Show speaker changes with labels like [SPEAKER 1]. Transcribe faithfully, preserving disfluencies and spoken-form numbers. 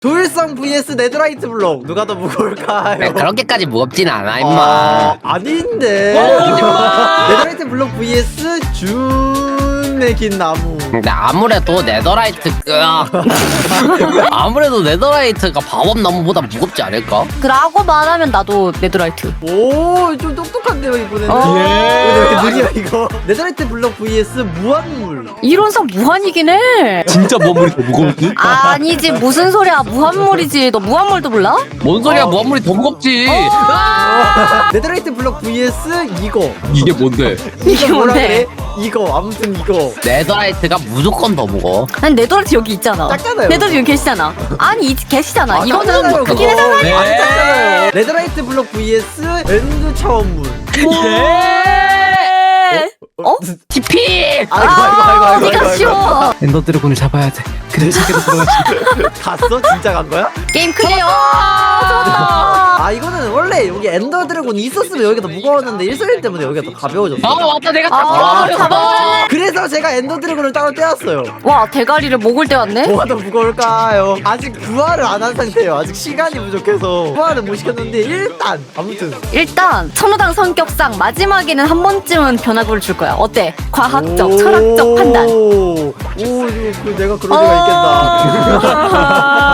[SPEAKER 1] 조일성 vs 네더라이트 블록 누가 더 무거울까요?
[SPEAKER 2] 야, 그렇게까지 무겁진 않아 임마.
[SPEAKER 1] 아, 아닌데. 네더라이트 블록 vs 준의 긴 나무.
[SPEAKER 2] 근데 아무래도 네더라이트 으악. 아무래도 네더라이트가 밥업나무보다 무겁지 않을까?
[SPEAKER 3] 그라고 말하면 나도 네더라이트.
[SPEAKER 1] 오, 좀 똑똑한데요 이번에는.
[SPEAKER 3] 어.
[SPEAKER 1] 왜 이렇게 느려 이거? 네더라이트 블록 vs 무한물.
[SPEAKER 3] 이론상 무한이긴 해.
[SPEAKER 4] 진짜 무한물이 더 무거울지?
[SPEAKER 3] 아니지 무슨 소리야 무한물이지. 너 무한물도 몰라?
[SPEAKER 2] 뭔 소리야
[SPEAKER 1] 어.
[SPEAKER 2] 무한물이 더 무겁지.
[SPEAKER 1] 네더라이트 블록 vs 이거.
[SPEAKER 4] 이게 뭔데?
[SPEAKER 3] 이게
[SPEAKER 1] 이거 뭐라
[SPEAKER 3] 뭔데?
[SPEAKER 1] 그래? 이거 아무튼 이거.
[SPEAKER 2] 네더라이트가 무조건 더 무거워.
[SPEAKER 3] 난 네더라이트 여기 있잖아.
[SPEAKER 1] 작잖아요.
[SPEAKER 3] 네더라이트 여기 계시잖아. 아니 이 계시잖아.
[SPEAKER 1] 아,
[SPEAKER 3] 이거는
[SPEAKER 1] 작잖아요,
[SPEAKER 3] 뭐 크긴
[SPEAKER 1] 그거.
[SPEAKER 3] 하잖아.
[SPEAKER 4] 네.
[SPEAKER 1] 안 작잖아요. 네더라이트 블록 vs 엔드 차원문.
[SPEAKER 3] 어?
[SPEAKER 2] 티피!
[SPEAKER 1] 아이고 아이고 아이고 아이고.
[SPEAKER 3] 어디가
[SPEAKER 1] 아이고,
[SPEAKER 3] 쉬워.
[SPEAKER 4] 엔더 드래곤을 잡아야 돼. 그래 세계로 들어가지.
[SPEAKER 1] 갔어? 진짜 간 거야?
[SPEAKER 3] 게임 클리어. 좋았다.
[SPEAKER 1] 아 이거는 원래 여기 엔더 드래곤 있었으면 여기가 더 무거웠는데 일소일 때문에 여기가 더 가벼워졌어.
[SPEAKER 2] 아 맞다 내가 다
[SPEAKER 3] 아,
[SPEAKER 2] 잡아버렸어.
[SPEAKER 3] 잡아버렸네.
[SPEAKER 1] 그래서 제가 엔더 드래곤을 따로 떼었어요.
[SPEAKER 3] 와 대가리를 목을 떼었네.
[SPEAKER 1] 뭐가 더 무거울까요? 아직 부활을 안 한 상태예요. 아직 시간이 부족해서 부활은 못 시켰는데 일단 아무튼
[SPEAKER 3] 일단 천호당 성격상 마지막에는 한 번쯤은 변화구를 줄 거야. 어때? 과학적,
[SPEAKER 1] 오.
[SPEAKER 3] 철학적 판단.
[SPEAKER 1] 오, 이거 그 내가 그럴 리가 있겠나?
[SPEAKER 3] 어...